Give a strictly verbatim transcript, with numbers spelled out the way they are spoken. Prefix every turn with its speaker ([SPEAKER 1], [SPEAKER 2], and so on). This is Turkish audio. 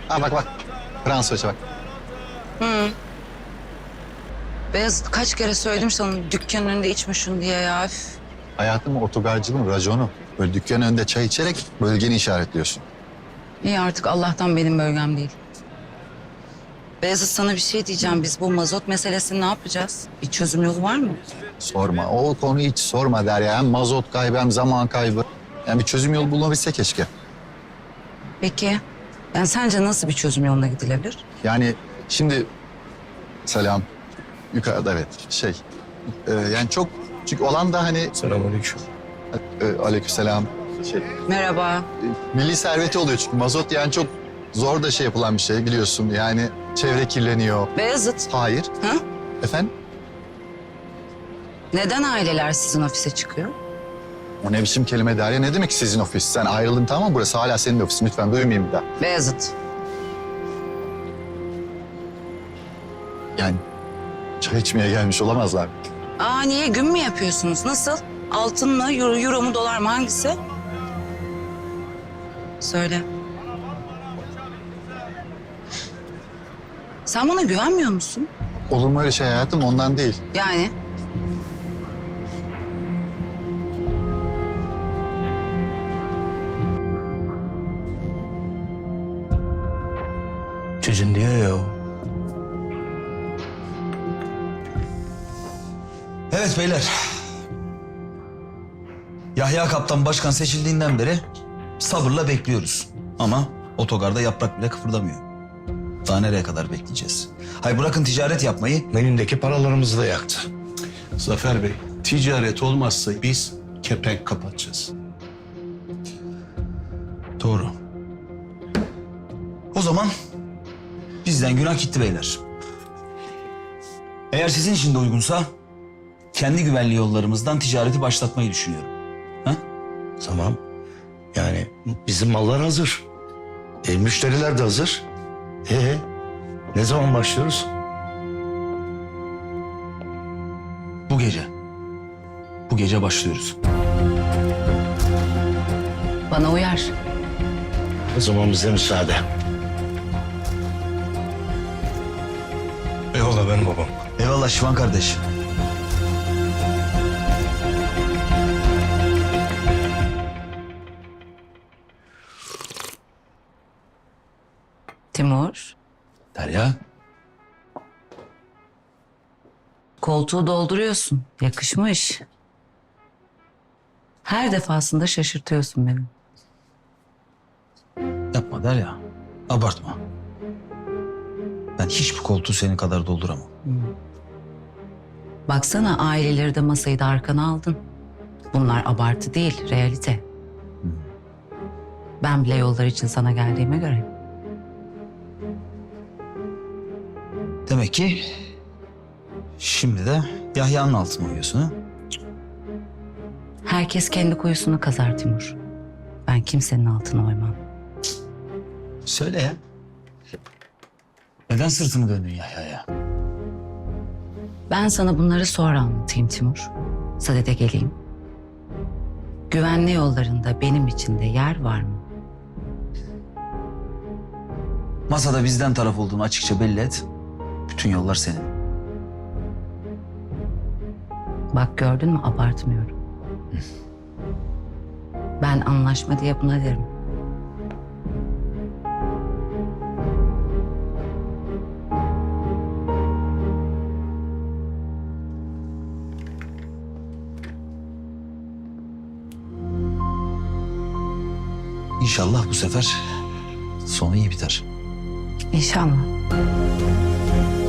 [SPEAKER 1] Ha bak bak. Fransızca bak.
[SPEAKER 2] Hı. Beyazıt kaç kere söyledim sana dükkanın önünde içme şunu diye ya. Üf.
[SPEAKER 1] Hayatım otogarcılığın raconu. Böyle dükkanın önünde çay içerek bölgeni işaretliyorsun.
[SPEAKER 2] İyi artık Allah'tan benim bölgem değil. Beyazıt sana bir şey diyeceğim. Biz bu mazot meselesini ne yapacağız? Bir çözüm yolu var mı?
[SPEAKER 1] Sorma. O konuyu hiç sorma Derya. Hem mazot kaybı hem zaman kaybı. Yani bir çözüm yolu bulunabilse keşke.
[SPEAKER 2] Peki. Yani sence nasıl bir çözüm yoluna gidilebilir?
[SPEAKER 1] Yani şimdi selam yukarıda evet şey e, yani çok çünkü olan da hani
[SPEAKER 3] Selamünaleyküm.
[SPEAKER 1] e, aleykümselam şey
[SPEAKER 2] Merhaba.
[SPEAKER 1] e, milli serveti oluyor çünkü mazot yani çok zor da şey yapılan bir şey biliyorsun yani çevre kirleniyor.
[SPEAKER 2] Beyazıt.
[SPEAKER 1] Hayır.
[SPEAKER 2] Ha?
[SPEAKER 1] Efendim?
[SPEAKER 2] Neden aileler sizin ofise çıkıyor?
[SPEAKER 1] O ne biçim kelime Derya? Ne demek sizin ofis? Sen ayrıldın tamam mı? Burası hala senin ofisin. Lütfen duymayayım bir daha.
[SPEAKER 2] Beyazıt.
[SPEAKER 1] Yani çay içmeye gelmiş olamazlar.
[SPEAKER 2] Aa niye gün mü yapıyorsunuz? Nasıl? Altın mı, euro, euro mu, dolar mı hangisi? Söyle. Sen bana güvenmiyor musun?
[SPEAKER 1] Olur mu öyle şey hayatım? Ondan değil.
[SPEAKER 2] Yani
[SPEAKER 3] Çocuğun diyor ya o.
[SPEAKER 4] Evet beyler. Yahya Kaptan başkan seçildiğinden beri sabırla bekliyoruz. Ama otogarda yaprak bile kıpırdamıyor. Daha nereye kadar bekleyeceğiz? Hay bırakın ticaret yapmayı.
[SPEAKER 3] Elindeki paralarımızı da yaktı. Zafer Bey, ticaret olmazsa biz kepenk kapatacağız.
[SPEAKER 4] Doğru. O zaman bizden günah gitti beyler. Eğer sizin için de uygunsa kendi güvenli yollarımızdan ticareti başlatmayı düşünüyorum. Ha?
[SPEAKER 5] Tamam. Yani bizim mallar hazır. E, müşteriler de hazır. E, ne zaman başlıyoruz?
[SPEAKER 4] Bu gece. Bu gece başlıyoruz.
[SPEAKER 2] bana uyar.
[SPEAKER 5] O zaman bize müsaade.
[SPEAKER 3] Eyvallah benim babam.
[SPEAKER 4] Eyvallah Şivan kardeş.
[SPEAKER 2] Timur,
[SPEAKER 4] Derya.
[SPEAKER 2] koltuğu dolduruyorsun. Yakışmış. Her defasında şaşırtıyorsun beni.
[SPEAKER 4] Yapma Derya. Abartma. Ben hiçbir koltuğu senin kadar dolduramam.
[SPEAKER 2] Baksana aileleri de masayı da arkana aldın. Bunlar abartı değil, realite. Ben bile yollar için sana geldiğime göre.
[SPEAKER 4] Demek ki şimdi de Yahya'nın altına uyuyorsun ha?
[SPEAKER 2] Herkes kendi kuyusunu kazar Timur. Ben kimsenin altına oymam.
[SPEAKER 4] Söyle ya. Neden sırtını döndün Yahya'ya?
[SPEAKER 2] Ben sana bunları sonra anlatayım Timur. Sadede geleyim. Güvenli yollarında benim için de yer var mı?
[SPEAKER 4] Masada bizden taraf olduğunu açıkça belli et. Bütün yollar senin.
[SPEAKER 2] Bak gördün mü abartmıyorum. Ben anlaşma diye buna derim.
[SPEAKER 4] İnşallah bu sefer sonu iyi biter.
[SPEAKER 2] İnşallah.